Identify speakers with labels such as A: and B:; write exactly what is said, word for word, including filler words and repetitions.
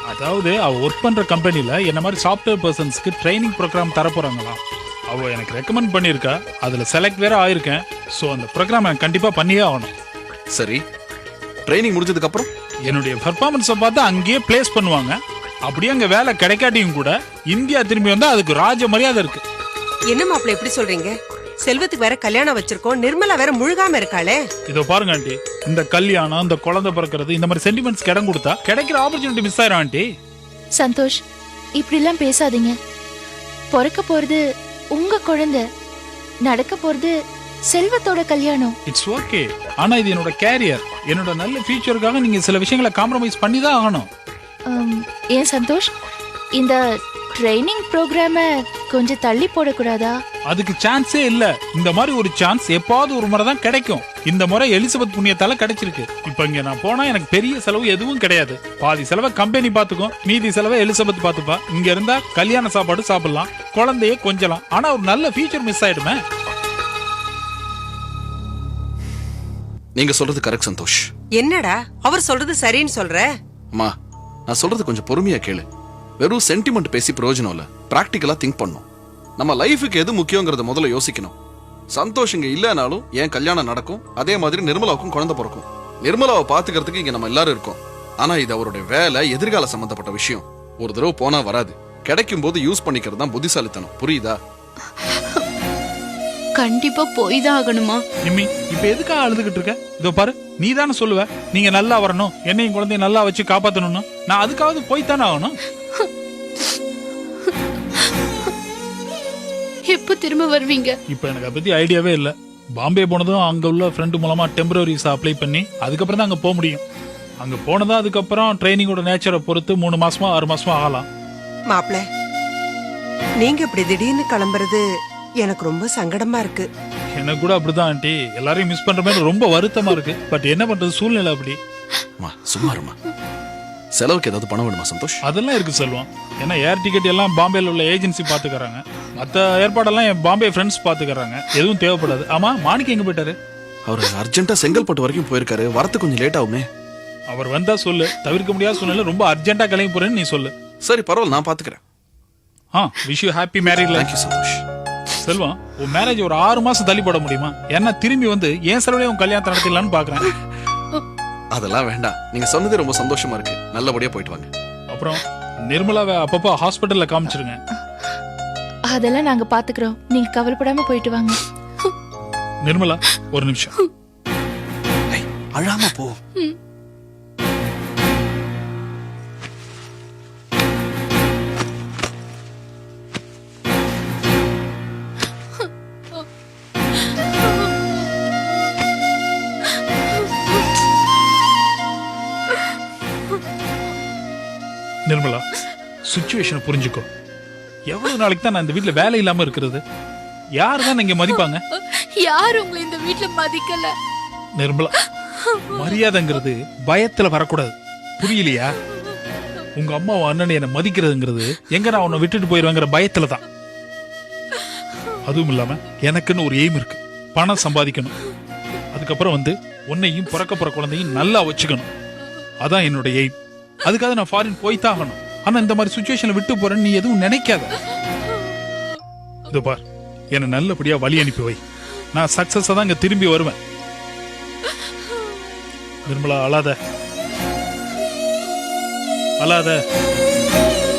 A: அதாவது அவ ஒர்க் பண்ற கம்பெனில என்ன மாதிரி சாஃப்ட்வேர் பர்சன்ஸ்க்கு ட்ரைனிங் ப்ரோக்ராம் தர போறாங்களாம். அவ எனக்கு ரெக்கமெண்ட் பண்ணியிருக்கா, அதுல செலக்ட் வேற ஆயிருக்கேன். ஸோ அந்த ப்ரோக்ராம் எனக்கு கண்டிப்பா பண்ணியே ஆகணும்.
B: சரி, ட்ரைனிங் முடிஞ்சதுக்கு அப்புறம்
A: என்னுடைய பர்ஃபார்மன்ஸை பார்த்து அங்கேயே பிளேஸ் பண்ணுவாங்க. அப்படியே அங்க வேலை கிடைக்காட்டியும் கூட இந்தியா திரும்பி வந்தா அதுக்கு ராஜ மரியாதை இருக்கு.
C: என்ன மாப்பிள்ள எப்படி சொல்றீங்க? செல்வத்துக்கு வேற கல்யாணம் வச்சிருக்கோம், நிர்மலா வேற முழுகாம இருக்காளே.
A: இதோ பாருங்க ஆண்டி, இந்த கல்யாணம், இந்த குழந்தை பிறக்கிறது, இந்த மாதிரி சென்டிமெண்ட்ஸ் இடம் கொடுத்தா கிடைக்கிற ஆப்பர்ச்சுனிட்டி மிஸ் ஆயிரும் ஆண்டி.
D: சந்தோஷ், இப்படி எல்லாம் பேசாதீங்க. பிறக்க போறது உங்க குழந்தை, நடக்க போறது செல்வத்தோட கல்யாணம்.
A: It's okay. ஆனா இது என்னோட கேரியர், என்னோட நல்ல ஃபியூச்சருக்காக நீங்க சில விஷயங்களை காம்ப்ரமைஸ் பண்ணி தான் ஆகணும்.
D: ஏன் சந்தோஷ், இந்த ட்ரைனிங் ப்ரோக்ராம கொஞ்சம் தள்ளி போடக்கூடாதா?
A: அதுக்கு சான்ஸே இல்ல. இந்த மாதிரி ஒரு சான்ஸ் எப்பாவது ஒரு முறை தான் கிடைக்கும். இந்த முறை எலிசபெத் புண்ணியத்தால கிடைச்சிருக்கு. இப்ப இங்க நான் போனா எனக்கு பெரிய செலவு எதுவும் கிடையாது. பாதி செலவை கம்பெனி பாத்துக்கும், மீதி செலவை எலிசபெத் பாத்துப்பா. இங்க இருந்தா கல்யாண சாப்பாடு சாப்பிடலாம், குழந்தைய கொஞ்சலாம். ஆனா ஒரு நல்ல ஃபியூச்சர் மிஸ் ஆயிடுமே.
B: நீங்க சொல்றது கரெக்ட் சந்தோஷ்.
C: என்னடா அவர் சொல்றது சரின்னு சொல்ற?
B: அம்மா, நான் சொல்றது கொஞ்சம் பொறுமையா கேளு. வெறும் சென்டிமெண்ட் பேசி பிரயோஜனம் இல்ல, பிராக்டிக்கலா திங்க் பண்ணும். நம்ம லைஃபுக்கு எது முக்கியங்கிறத முதல்ல யோசிக்கணும். சந்தோஷ் இங்க இல்லனாலும் என் கல்யாணம் நடக்கும், அதே மாதிரி நிர்மலாவுக்கும் குழந்தை பிறக்கும். நிர்மலாவை பாத்துக்கிறதுக்கு இங்க நம்ம எல்லாரும் இருக்கோம். ஆனா இது அவருடைய வேலை, எதிர்கால சம்பந்தப்பட்ட விஷயம். ஒரு தடவை போனா வராது, கிடைக்கும் போது யூஸ் பண்ணிக்கிறது தான் புத்திசாலித்தனம். புரியுதா?
E: கண்டிப்பா போய் தான் ஆகணுமா?
A: நிம்மி, இப்ப எதுக்காக அழுதுகிட்டு இருக்க? இதோ பாரு, நீ தானே சொல்லுவ நீங்க நல்லா வரணும், என்னையும் குழந்தைய நல்லா வச்சு காப்பாத்தணும்னு. நான் அதுக்காவது போய் தானே ஆகணும்.
E: எப்ப திரும்ப வருவீங்க?
A: இப்ப எனக்கு அதை பத்தி ஐடியாவே இல்ல. பாம்பே போனதும் அங்க உள்ள ஃப்ரெண்டு மூலமா டெம்பரரி விசா அப்ளை பண்ணி அதுக்கப்புறம் தான் அங்க போக முடியும். அங்க போனதா அதுக்கப்புறம் ட்ரைனிங்கோட நேச்சரை பொறுத்து மூணு மாசமா ஆறு மாசமா ஆகலாம்.
C: மாப்பிள்ள, நீங்க இப்படி திடீர்னு கிளம்புறது எனக்கு ரொம்ப சங்கடமா இருக்கு.
A: எனக்கு கூட அப்படிதான் ஆண்டி, எல்லாரையும் மிஸ் பண்ற மாதிரி ரொம்ப வருத்தமா இருக்கு. பட் என்ன பண்றது, சூழ்நிலை அப்படி.
B: சும்மா இருமா. செலவுக்கு ஏதாவது பணம் வேணுமா சந்தோஷ்?
A: அதெல்லாம் இருக்கு செல்வம். ஏன்னா ஏர் டிக்கெட் எல்லாம் பாம்பேல உள்ள ஏஜென்சி பாத்துக்கறாங்க, மத்த ஏற்பாடெல்லாம் என் பாம்பே ஃப்ரெண்ட்ஸ் பாத்துக்கறாங்க. எதுவும் தேவைப்படாது. ஆமா, மாணிக்க எங்க போயிட்டாரு?
B: அவர் அர்ஜென்ட்டா செங்கல்பட்டு வரைக்கும் போயிருக்காரு, வரது கொஞ்சம் லேட் ஆகுமே.
A: அவர் வந்தா சொல்லு, தவிர்க்க முடியாத சூழ்நிலை, ரொம்ப அர்ஜென்ட்டா கிளம்பி போறேன்னு நீ சொல்லு.
B: சரி பரவாயில்ல, நான் பாத்துக்கிறேன்.
A: Ah, wish you happy married life.
B: Thank you Santhosh.
A: Selvam, உன் மேரேஜ் ஒரு ஆறு மாசம் தள்ளி போட முடியுமா? ஏன்னா திரும்பி வந்து ஏன் செலவுலயே உன் கல்யாணத்தை நடத்திடலான்னு பாக்குறேன்.
B: அதெல்லாம் வேண்டாம், நீங்க சொன்னது ரொம்ப சந்தோஷமா இருக்கு. நல்லபடியா போயிட்டு வாங்க.
A: அப்புறம் நிர்மலாவை அப்பப்போ ஹாஸ்பிட்டல்ல காமிச்சிருங்க.
D: அதெல்லாம் நாங்க பாத்துக்கிறோம், நீங்க கவலைப்படாம போயிட்டு வாங்க.
A: நிர்மலா, ஒரு நிமிஷம்.
B: அழாம போ.
A: நிர்மலா, சிச்சுவேஷனை புரிஞ்சுக்கோ. எவ்வளவு நாளைக்கு தான் நான் இந்த வீட்டுல வேலை இல்லாம இருக்கிறது? யாரு தான் இங்க மதிப்பாங்க?
E: யார் உங்களை இந்த வீட்டுல மதிக்கல?
A: நிர்மலா, மரியாதைங்கிறது பயத்துல வரக்கூடாது, புரியலையா? உங்க அம்மா அண்ணன் என்ன மதிக்கிறதுங்கிறது எங்க நான் உன்னை விட்டுட்டு போயிருவேங்கிற பயத்துல தான். அதுவும் இல்லாம எனக்குன்னு ஒரு எய்ம் இருக்கு, பணம் சம்பாதிக்கணும். அதுக்கப்புறம் வந்து உன்னையும் பிறக்க போற குழந்தையும் நல்லா வச்சுக்கணும். அதான் என்னோட எய்ம். அதுக்காக நான் ஃபாரின் போய்தான் ஆகணும். ஆனா இந்த மாதிரி சிச்சுவேஷன்ல விட்டு போறேன்னு நீ எதுவும் நினைக்காத. இதோ பார், என்ன நல்லபடியா வழி அனுப்பி வை. நான் சக்சஸா தான் இங்க திரும்பி வருவேன். நிர்மலா, அழாத அழாத.